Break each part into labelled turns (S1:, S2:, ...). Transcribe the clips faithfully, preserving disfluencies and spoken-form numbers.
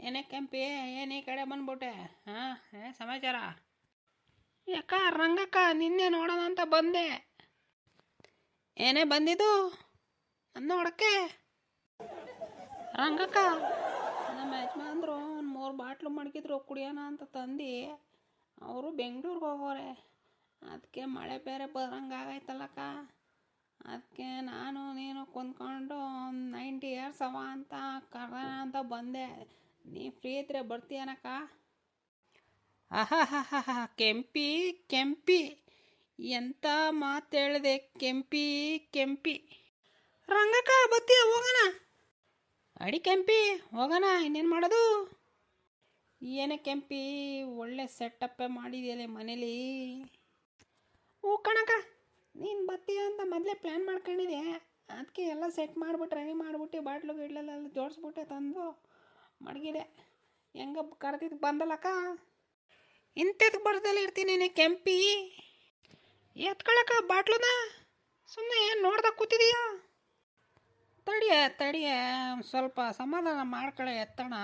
S1: ಏನೇ ಕೆಂಪಿ ಏನು ಈ ಕಡೆ ಬಂದ್ಬಿಟ್ಟೆ? ಹಾಂ, ಏ ಸಮಾಚಾರ? ಯಾಕ ರಂಗಕ್ಕ ನಿನ್ನೆ ನೋಡೋಣ ಅಂತ ಬಂದೆ. ಏನೇ ಬಂದಿದ್ದು ನನ್ನ ನೋಡಕ್ಕೆ? ರಂಗಕ್ಕ ನಮ್ಮ ಯಜಮಾನ್ರು ಒಂದು ಮೂರು ಬಾಟ್ಲು ಮಡಗಿದ್ರು ಕುಡಿಯೋಣ ಅಂತ ತಂದು ಅವರು ಬೆಂಗಳೂರಿಗೆ ಹೋಗೋರೆ. ಅದಕ್ಕೆ ಮಳೆ ಬೇರೆ ಬರಂಗಾಗೈತಲ್ಲಕ್ಕ, ಅದಕ್ಕೆ ನಾನು ನೀನು ಕುಂದ್ಕೊಂಡು ಒಂದು ನೈಂಟಿ ಇಯರ್ಸ್ ಅವ ಅಂತ ಕರೋಣ ಅಂತ ಬಂದೆ. ನೀ ಫ್ರೀ ಇದ್ರೆ ಬರ್ತೀಯನಕ್ಕ? ಆಹಾ ಹಾ ಹಾ ಹಾ ಕೆಂಪಿ ಕೆಂಪಿ ಎಂಥ ಮಾತು ಹೇಳಿದೆ ಕೆಂಪಿ ಕೆಂಪಿ. ರಂಗಕ್ಕ ಬತ್ತೀಯ ಹೋಗೋಣ? ಅಡಿ ಕೆಂಪಿ ಹೋಗೋಣ, ಇನ್ನೇನು ಮಾಡೋದು? ಏನೇ ಕೆಂಪಿ ಒಳ್ಳೆ ಸೆಟಪ್ಪೇ ಮಾಡಿದೆಯಲ್ಲ ಮನೇಲಿ. ಹ್ಞೂ ಕಣಕ್ಕ, ನೀನು ಬತ್ತೀಯ ಅಂತ ಮೊದಲೇ ಪ್ಲ್ಯಾನ್ ಮಾಡ್ಕೊಂಡಿದ್ದೆ. ಅದಕ್ಕೆ ಎಲ್ಲ ಸೆಟ್ ಮಾಡಿಬಿಟ್ಟು ರೆಡಿ ಮಾಡಿಬಿಟ್ಟು ಬಾಟ್ಲು ಗಿಡ್ಲೆಲ್ಲ ಜೋಡಿಸ್ಬಿಟ್ಟೆ ತಂದು ಮಡಗಿದೆ. ಹೆಂಗ ಕರೆದಿದ್ದು ಬಂದಲ್ಲಕ್ಕ, ಇಂಥದ್ದು ಬರ್ದಲ್ಲಿ ಇರ್ತೀನಿ ಕೆಂಪಿ. ಎತ್ಕೊಳಕ್ಕ ಬಾಟ್ಲುನ? ಸುಮ್ಮನೆ ಏನು ನೋಡ್ದಾಗ ಕೂತಿದೀಯ? ತಡಿಯ ತಡಿಯ ಸ್ವಲ್ಪ ಸಮಾಧಾನ ಮಾಡ್ಕೊಳ್ಳೆ, ಎತ್ತಣ.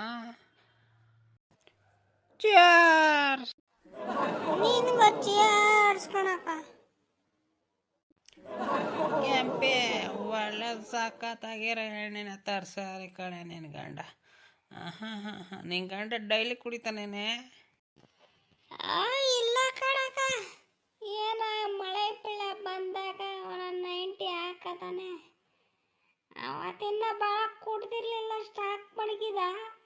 S1: ಚಿಯರ್ಸ್.
S2: ನಿನಗೂ ಚಿಯರ್ಸ್ ಕಣಕ್ಕ.
S1: ಕೆಂಪಿ ಒಳ್ಳೆ ಸಾಕತ್ತಾಗಿರೋ ಎಣ್ಣೆನ ತರ್ಸಾರಿ ಕಣೆ ನಿನ್ನ ಗಂಡ. ಹಾಂ ಹಾಂ ಹಾಂ ನಿನ್ನ ಗಂಡ ಡೈಲಿ ಕುಡಿತಾನೇನೆ?
S2: ಇಲ್ಲ ಕಣಕ್ಕ, ಏನ ಮಳೆ ಬೆಳೆ ಬಂದಾಗ ಅವನ ನೈಂಟಿ ಹಾಕತಾನೆ. ಅವತ್ತಿಂದ ಭಾಳ ಕುಡ್ದಿರ್ಲಿಲ್ಲ, ಸ್ಟಾಕ್ ಮಡಗಿದ.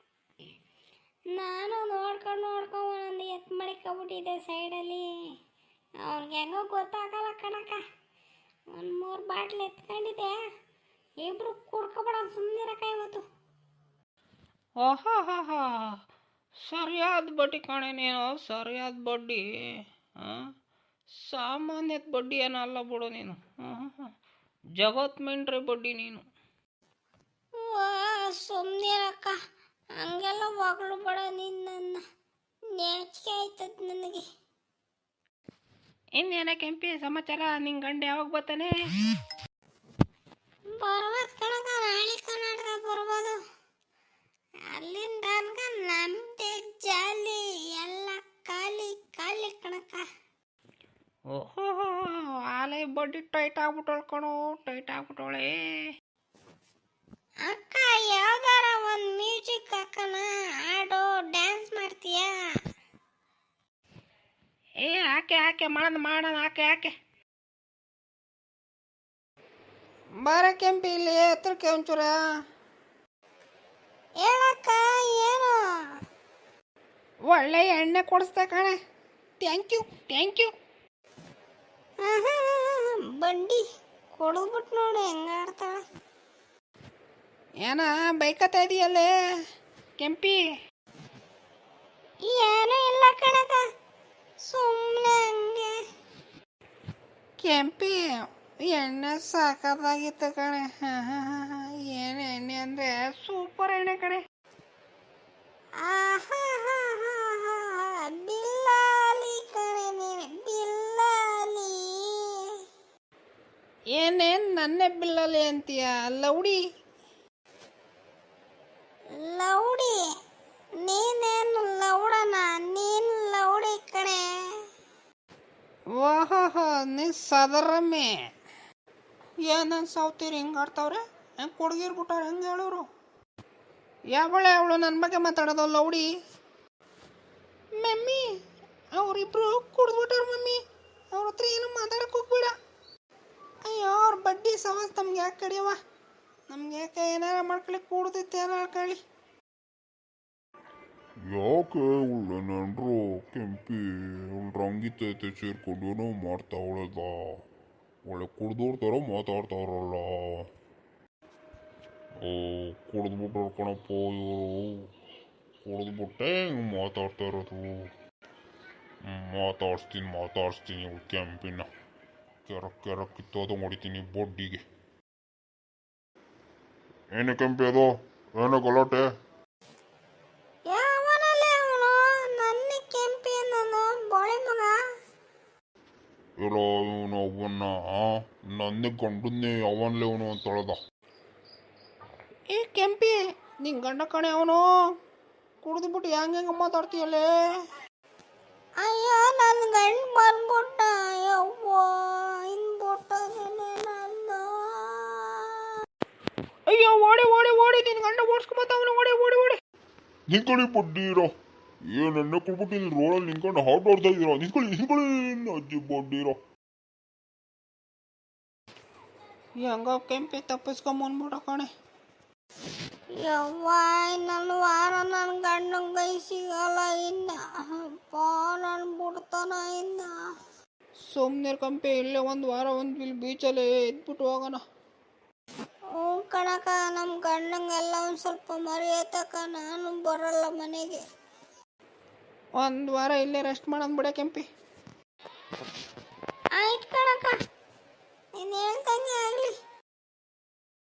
S2: ನಾನು ನೋಡ್ಕೊಂಡು ನೋಡ್ಕೊಂಡು ಒಂದೊಂದು ಎತ್ತು ಮಡಿಕೊಬಿಟ್ಟಿದ್ದೆ ಸೈಡಲ್ಲಿ. ಅವ್ನಿಗೆ ಹೆಂಗೋ ಗೊತ್ತಾಗಲ್ಲ ಕಣಕ್ಕ. ಒಂದು ಮೂರು ಬಾಟ್ಲು ಎತ್ಕೊಂಡಿದ್ದೆ. ಇಬ್ರು ಕುಡ್ಕೊಬೇಡ, ಸುಮ್ಮನಿರಕ್ಕ ಇವತ್ತು.
S1: ಓಹೋ ಹೋ ಹೋ ಸರಿಯಾದ ಬಡ್ಡಿ ಕಣೆ ನೀನು, ಸರಿಯಾದ ಬಡ್ಡಿ. ಹಾಂ, ಸಾಮಾನ್ಯದ ಬಡ್ಡಿ ಏನಲ್ಲ ಬಿಡು ನೀನು. ಹಾಂ ಹಾಂ ಜಗತ್ ಮಿಂಟ್ರಿ ಬಡ್ಡಿ ನೀನು.
S2: ಸುಮ್ಮನಿರಕ್ಕ, ಹಂಗೆಲ್ಲ ಹೊಗಳು ಬೇಡ. ನಿನ್ನ ನಾಚಿಕೆ ಆಯ್ತದ ನನಗೆ.
S1: ಇನ್ನೇನ ಕೆಂಪಿ ಸಮಾಚಾರ? ನಿನ್ನ ಗಂಡ ಯಾವಾಗ ಬರ್ತಾನೆ?
S2: ಬರ್ಬೋದು ಕಣಕ್ಕ, ನಾಳೆ ಕರ್ನಾಟಕ ಬರ್ಬೋದು. ಅಲ್ಲಿಂದ ತನಕ ನಮ್ಮದೇ ಜಾಲಿ, ಎಲ್ಲ ಖಾಲಿ ಖಾಲಿ ಕಣಕ್ಕ.
S1: ಓಹೋ ಆಲೆ ಬಡ್ಡಿ ಟೈಟ್ ಆಗ್ಬಿಟ್ಟವಳು ಕಣೋ, ಟೈಟ್ ಆಗ್ಬಿಟ್ಟವಳೆ.
S2: ಅಕ್ಕ ಯಾವ್ದಾರ ಒಂದು ಮ್ಯೂಸಿಕ್ ಹಾಕೋಣ, ಹಾಡು ಡ್ಯಾನ್ಸ್ ಮಾಡ್ತೀಯಾ?
S1: ಏ ಹಾಕೆ ಹಾಕೆ ಮಾಡೋಣ ಮಾಡೋಣ ಹಾಕೆ ಹಾಕೆ. ಬಾರ ಕೆಂಪಿ ಇಲ್ಲಿ ಹತ್ರಕ್ಕೆ ಒಂಚೂರ.
S2: ಹೇಳಕ್ಕ ಏನು?
S1: ಒಳ್ಳೆ ಎಣ್ಣೆ ಕೊಡಿಸ್ದೆ ಕಣೆ. Thank you thank you.
S2: ಬಂಡಿ ಕೊಡ್ಬಿಟ್ಟು ನೋಡಿ ಹೆಂಗಾಡ್ತಾಳೆ.
S1: ಏನ ಬೈಕತ್ತಾ ಇದೆಯಲ್ಲೇ ಕೆಂಪಿ?
S2: ಏನೂ ಇಲ್ಲ ಕಣಕ್ಕ, ಸುಮ್ಮನೆ ಹಂಗೆ.
S1: ಕೆಂಪಿ ಎಣ್ಣೆ ಸಾಕಾಗಿತ್ತು ಕಣೆ. ಹಾಂ ಹಾಂ ಹಾಂ ಹಾಂ ಏನು ಎಣ್ಣೆ ಅಂದರೆ ಸೂಪರ್ ಎಣ್ಣೆ ಕಣೆ.
S2: ಬಿಲ್ಲಾಲಿ ಕಣೆ ನೀನು, ಬಿಲ್ಲಾಲಿ.
S1: ಏನೇನು ನನ್ನೇ ಬಿಲ್ಲಲ್ಲಿ ಅಂತೀಯ? ಲೌಡಿ
S2: ಲೌಡಿ? ನೀನೇನು ಲೌಡನ? ನೀನು ಲೌಡಿ ಕಣೆ.
S1: ಓಹೋ ನೀ ಸದರಮ್ಮೆ. ಏನು ಸಾವ್ತೀರಿ ಹಿಂಗೆ ಆಡ್ತಾವ್ರೆ? ಹೆಂಗೆ ಕುಡ್ಗಿರ್ಬಿಟ್ಟಾರೆ ಹೆಂಗೆ ಹೇಳೋರು? ಯಾವಳೆ ಅವಳು ನನ್ನ ಬಗ್ಗೆ ಮಾತಾಡೋದು ಲೌಡಿ? ಮಮ್ಮಿ ಅವರಿಬ್ರು ಕುಡ್ದ್ಬಿಟ್ಟವ್ರು ಮಮ್ಮಿ, ಅವ್ರ ಹತ್ರ ಏನು ಮಾತಾಡಕ್ಕೆ ಹೋಗ್ಬೇಡ. ಅಯ್ಯೋ ಅವ್ರ ಬಡ್ಡಿ ಸವಾಸ್ ನಮ್ಗೆ ಯಾಕೆ ಕಡಿಯವ? ನಮ್ಗೆ ಯಾಕೆ ಏನಾರ ಮಾಡ್ಕೊಳ್ಳಿ, ಕೂಡ್ದಿತ್ತು ಏನಾರ ಹೇಳ್ಕೊಳ್ಳಿ.
S3: ಯಾಕೆ ಒಳ್ಳೆ ನೆಂಡ್ರು ಕೆಂಪಿ ಅವಳು ರಂಗಿತೈತೆ ಸೇರ್ಕೊಂಡು ಏನೋ ಮಾಡ್ತಾವಳದ. ಒಳ್ಳೆ ಕುಡ್ದೋರ್ ಥರ ಮಾತಾಡ್ತಾವ್ರಲ್ಲ. ಓ ಕುಡ್ದ್ಬಿಟ್ರು ಕಣಪ್ಪ ಇವರು, ಕುಡ್ದ್ಬಿಟ್ಟೆ ಹಿಂಗೆ ಮಾತಾಡ್ತಾ ಇರೋದು. ಮಾತಾಡ್ಸ್ತೀನಿ ಮಾತಾಡ್ಸ್ತೀನಿ ಇವಳು ಕೆಂಪಿನ. ಕೆರಕ್ ಕೆರಕ್ ಕಿತ್ತೋದು ಹೊಡಿತೀನಿ ಬೊಡ್ಡಿಗೆ. ಏನೇ ಕೆಂಪಿ ಅದು? ಏನೋ ಗಲಾಟೆ?
S2: ಯಾವನಲ್ಲೇ ಅವನು? ನನ್ನ ಕೆಂಪಿ ನಾನು ಬೋಳಿ ಮಗ.
S3: ಇರೋ ಇವನು ಅವನ್ನ ನನ್ನ ಗಂಡನ್ನೇ ಅವನ್ಲೇ ಅವನು ಅಂತ ಹೇಳ್ದ.
S1: ಏ ಕೆಂಪಿ ನಿನ್ನ ಗಂಡ ಕಣೆ ಅವನು, ಕುಡಿದ್ಬಿಟ್ಟು ಹೆಂಗೆ ಹೆಂಗೆ ಮಾತಾಡ್ತೀಯಲ್ಲೇ?
S2: ಅಯ್ಯೋ ನನ್ನ ಗಂಡು ಬಂದ್ಬಿಟ್ಟ. ಯವ್ವ ಇನ್ಬಿಟ್ಟದೇನೆ ನಂದು.
S1: ಅಯ್ಯೋ ಓಡಿ ಓಡಿ ಓಡಿ ನಿನ್ನ ಗಂಡ ಓಡಿಸ್ಕೊಂಬತ್ತವನು, ಓಡಿ ಓಡಿ ಓಡಿ.
S3: ನಿಂತ್ಕೊಳ್ಳಿ ಬಡ್ಡಿರೋ, ಏನು ಎಣ್ಣೆ ಕೊಡ್ಬಿಟ್ಟು ಇಲ್ಲಿ ರೋಡಲ್ಲಿ ನಿಂತ್ಕೊಂಡು ಹಾಟ್ ಆಡ್ತಾ ಇದ್ದೀರಾ? ನಿಂತ್ಕೊಳ್ಳಿ ನಿಂತ್ಕೊಳ್ಳಿ ಅಜ್ಜಿ ಬಡ್ಡಿರೋ.
S1: ಹೆಂಗೋ ಕೆಂಪಿ ತಪ್ಪಿಸ್ಕೊಂಬಂದ್ಬಿಟ್ಟ ಕಣೆ.
S2: ಯವ್ವ ಇನ್ನೊಂದು ವಾರ ನನ್ನ ಗಂಡನ ಕೈ ಸಿಗಲ್ಲ ಇನ್ನ. ಅಪ್ಪ ನಾನು ಬಿಡ್ತಾನ ಇನ್ನ.
S1: ಸುಮ್ಮನೆ ಕಂಪಿ, ಇಲ್ಲೇ ಒಂದು ವಾರ ಒಂದು ಇಲ್ಲಿ ಬೀಚಲ್ಲಿ ಇದ್ಬಿಟ್ಟು ಹೋಗೋಣ.
S2: ಹ್ಞೂ ಕಣಕ, ನಮ್ಮ ಗಂಡಂಗೆಲ್ಲ ಒಂದು ಸ್ವಲ್ಪ ಮರೆಯತಕ್ಕ, ನಾನು ಬರಲ್ಲ ಮನೆಗೆ.
S1: ಒಂದು ವಾರ ಇಲ್ಲೇ ರೆಸ್ಟ್ ಮಾಡೋಣ ಬಿಡ ಕೆಂಪಿ.